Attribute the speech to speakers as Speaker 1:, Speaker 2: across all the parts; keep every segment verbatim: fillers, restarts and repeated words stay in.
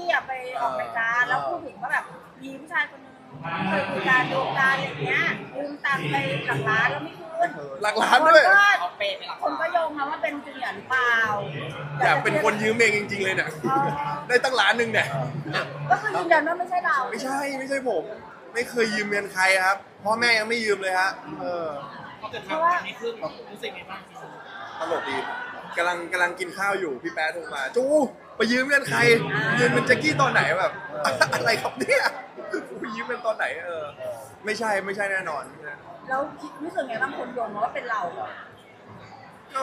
Speaker 1: กี้อะไปออกรายการแล้วพูดถึงว่าแบบมีผู้ชายคนนึงเคยคุยกันดูการอะไรอย่างเงี้ยยืมตังค์ไปหลักล้านแล้วไม่คืน
Speaker 2: หลักล้านด้วย
Speaker 1: เขาเปย์ไปหลักล้านคนก็โยงมาว่าเป็นจูเนียร์หรือเปล่า
Speaker 2: อยากเป็นคนยืมเองจริงๆเลยเนี่ยได้ตั้งล้านหนึ่งเนี่ย
Speaker 1: ก็คือยืนยันว่าไม่ใช่เรา
Speaker 2: ไม่ใช่ไม่ใช่ผม ไม่เคยยืมเงินใครครับพ่อแม่ยังไม่ยืมเลยฮะเออ
Speaker 3: พอเกิดทำแบบนี้ขึ้นรู้สึกไงบ้าง
Speaker 2: ตลกดีกำลังกำลังกินข้าวอยู่พี่แป๊ะโทรมาจูไปยืมเงินใครยืมเงินแจ็คกี้ตอนไหนแบบ อะไรครับเนี่ยไปยืมเงินตอนไหนเออไม่ใช่ไม่ใช่แน่นอน
Speaker 1: แล้วคิดรู้สึกไงบ้างคนโยงมาว่าเป็นเรา
Speaker 2: ก็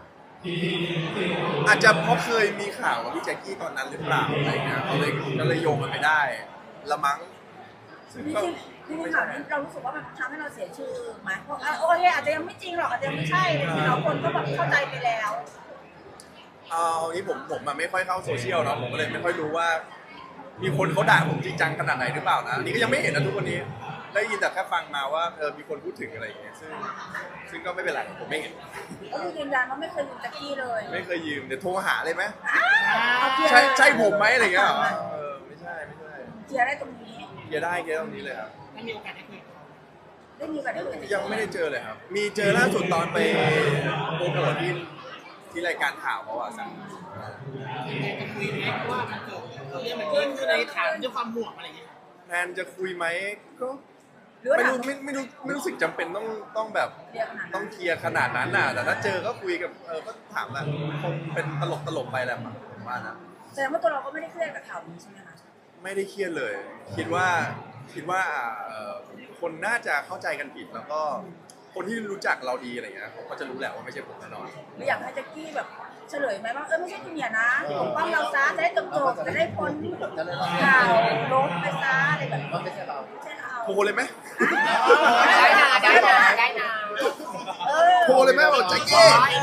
Speaker 2: อาจจะเพราะเคยมีข่าวกับพี่แจ็คกี้ตอนนั้นหรือเปล่าอะไรเงี้ยเขาเลยก็เลยโยงมันไปได้ละมั้ง
Speaker 1: จริงจริงจริงข่าวนี้เรารู้สึกว่ามันทำให้เราเสียชื่อไหมเพราะโอเคอาจจะยังไม่จริงหรอกอาจจะยังไม่ใช่อะไรอย่างเงี้ยเราคนก็แบบเข้าใจไปแล้ว
Speaker 2: เอางี้ผมผมอะไม่ค่อยเข้าโซเชียลเนาะผมก็เลยไม่ค่อยรู้ว่า มีคนเขาด่าผมจริงจังขนาดไหนหรือเปล่านะอันนี้ก็ยังไม่เห็นนะทุกวันนี้ได้ยินแต่แค่ฟังมาว่าเออมีคนพูดถึงอะไรอย่างเงี้ยซึ่งซึ่งก็ไม่เป็นไรผมไม่เห็น
Speaker 1: ก็คือยืนยันว่าไม่เคยยืมแจ็คกี้เลย
Speaker 2: ไม่เคยยืมเดี๋ยวโทรหาเลยไหม
Speaker 1: เอาเคลียร์
Speaker 2: ใช่ใช่ผมไหมอะไรเงี้ยเหรอเออไม่ใช่ไม่ใช่
Speaker 1: เคลียร์ได้ตรงนี้
Speaker 2: เคลียร์ได้เคลียร์ตรงนี้เลยครับ
Speaker 3: ไม่มีโอกาสได้คุยกับเขา
Speaker 1: ได้มีโอกาสได้คุย
Speaker 2: ยังไม่ได้เจอเลยครับ มีเจอล่าสุดตอนไปโปรโมทที่ที่รายการข่าวเขาอะสั่ง
Speaker 3: จะคุยไหมเพราะว่ามันเกิดเรื่องแบบนี้ขึ้นในฐานด้วยความห่วงอะไรอย่างเงี้ย
Speaker 2: แทนจะคุยไหมก็
Speaker 1: หรือว่า
Speaker 2: ไม่
Speaker 1: ถาม
Speaker 2: รู้ไม่ไม่รู้ไม่รู้สึกจำเป็นต้องต้องแบบ
Speaker 1: เคลียร์ขนาด
Speaker 2: ต้
Speaker 1: นั้
Speaker 2: อน งเคลียร์ขนาดนั้นน่ะแต่ถ้าเจอก็คุยกับเออก็ถามแหละคงเป็นตลกตลกไปแหละมั้งผมว่านะ
Speaker 1: แสดงว่าตัวเราก็ไม่ได้เครียดกับข่าวนี้ใช่ไหมคะ
Speaker 2: ไม่ได้เครียดเลย คิดว่าคิดว่าเอ่อคนน่าจะเข้าใจกันผิดแล้วก็คนที่รู้จักเราดีอะไรเงี้ยเขาก็จะรู้แหละว่าไม่ใช่ผมแน่นอน
Speaker 1: หรืออยากให้แจ็คกี้แบบเฉลยไหมว่าเออไม่ใช่จูเนียร์นะปกป้องเราซะจะได้จบจบจะได้พ้นข่าวลบไปซะอะไรแบบนี้
Speaker 4: ไม่ใช่เรา
Speaker 1: ไม่ใช่เรา
Speaker 2: โทรเลยไหม
Speaker 1: ได้นะได้นะได้นะเออ
Speaker 2: โทรเลยไหมบอกแจ็คกี้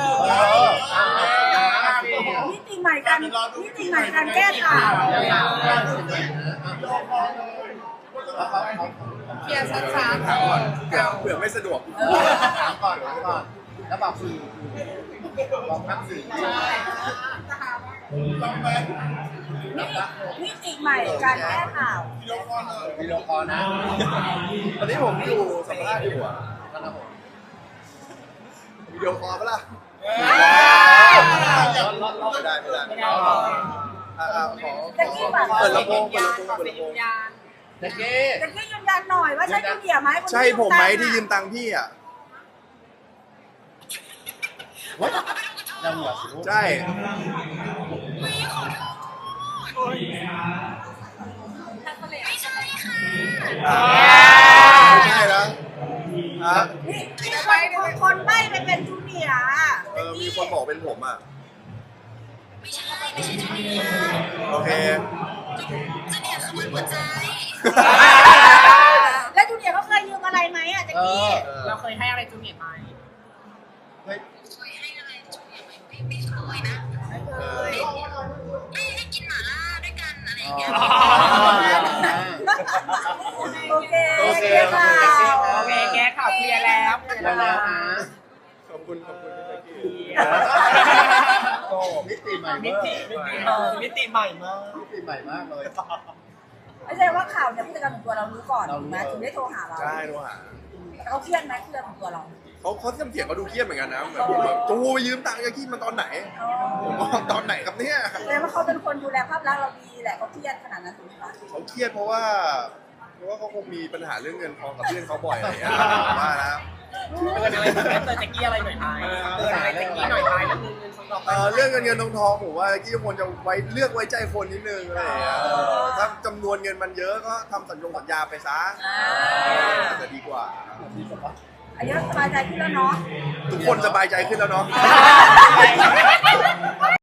Speaker 1: มิติใหม่การมิติใหม่การแก้ข่าว
Speaker 4: เคลียร์ช้า
Speaker 2: ถามก่อนเผื่อเผื่อไม่สะดวก
Speaker 4: ๆถามก่อนถามก่อนแล้วบอกสื่อบอกทั้งสื่อ
Speaker 1: มิติใหม่การแก้ข่าว
Speaker 4: วิดีโอคอลนะ
Speaker 2: ตอนนี้ผมอยู่สัมภาษณ์อยู่อ่ะ
Speaker 4: นะครับผม
Speaker 2: วิดีโอคอลปะล่ะไม่ได้ไม่ได้อ่ะอ่ะขอ
Speaker 1: แจ็คกี้แบบ
Speaker 2: เปิดลำโพงเปิดลำโพงเปิดลำโพง
Speaker 4: แจ็คเก้
Speaker 1: แจ็คกี้ยืนยันหน่อยว่าใช่จูเนียร์ไหม
Speaker 2: ใช่ผมไหมที่ยืมตังค์พี่อ่ะ
Speaker 4: วัดเราหัวสิลูก
Speaker 2: ใช่
Speaker 5: ไม่ใช่ค่ะ
Speaker 2: ไม่ใช่แล้วฮะ
Speaker 1: นี่คนคนใบ้ไปเป็นจูเนียร์
Speaker 2: เออมีคนบอกเป็นผมอ่ะ
Speaker 5: ไม่ใช่ไม่ใช่จูเนียร์
Speaker 2: โอเค
Speaker 5: จูเนียร์คือมันหัวใจ
Speaker 1: แล้วจูเนียร์เขาเคยยืมอะไรไหมอ่ะแจ็ค
Speaker 4: เอ
Speaker 1: กี้
Speaker 4: อ
Speaker 3: เราเคยให้อะไรจูเนียร์ไหม
Speaker 4: เฮ้ย
Speaker 5: เคยให้อะไรจูเนียร์ไหมไม่ไม่เคยนะ
Speaker 2: เออ
Speaker 5: ให้ให้กินหม่าล่าด้วยกันอะไรอย่างเงี้ย
Speaker 1: โอเค
Speaker 4: โอเค
Speaker 1: ค่ะ
Speaker 3: โอเคแก้ข่าวเคลียร์แล้วเคลียร์
Speaker 4: แล้ว
Speaker 3: แล้ว
Speaker 4: นะ
Speaker 2: ขอบคุณขอบคุณพี่แจ็คกี้
Speaker 4: โตมิติใหม่
Speaker 3: มิ
Speaker 4: เมื่อ
Speaker 3: ติมิติเออมิติใหม่มาก
Speaker 4: มิติใหม่มากเลย
Speaker 1: ไม่ใช่ว่าข่าวเนี่ยผู้จัดการของตัวเรารู้ก่อน
Speaker 4: เรารู้
Speaker 1: ถูกไหมถึงได้โทรหาเรา
Speaker 2: ใช่โทรหา
Speaker 1: เขาเครียดไหมเครียดของตัวเรา
Speaker 2: เขาเขาเสียงเสียงเขาดูเครียดเหมือนกันนะแบบผมแบบจูไปยืมตังค์แจ็คกี้มาตอนไหน
Speaker 1: อ๋อ
Speaker 2: ผมบอกตอนไหนครับเนี่ย
Speaker 1: แสดงว่าเขาเป็นคนดูแลภาพลักษณ์เราดีแหละเขาเครียดขนาดนั้นถูกไหมคะ
Speaker 2: เขาเครียดเพราะว่า เพราะว่าเขาคงมีปัญหาเรื่องเงินทองกับเพื่อนเขาบ่อยอะไรอย่างเงี้ยผมว่านะ
Speaker 3: เตือนอะไรเตือนแจ็คกี้อะไรหน่อยไหมเตือนอะไรแจ็คกี้หน่อยไหมแล้วเงินเงินทอง
Speaker 2: เอ่อเรื่องเงินเงินทองทองผมว่ากี้ควรจะไว้เลือกไว้ใจคนนิดนึงอะไรอย่างเงี้ยถ้าจำนวนเงินมันเยอะก็ทำสัญญงสัญญาไปซะอาจจะดีกว่า
Speaker 1: อันนี้สบายใจขึ้นแล้วเนาะ
Speaker 2: ทุกคนสบายใจขึ้นแล้วเนาะ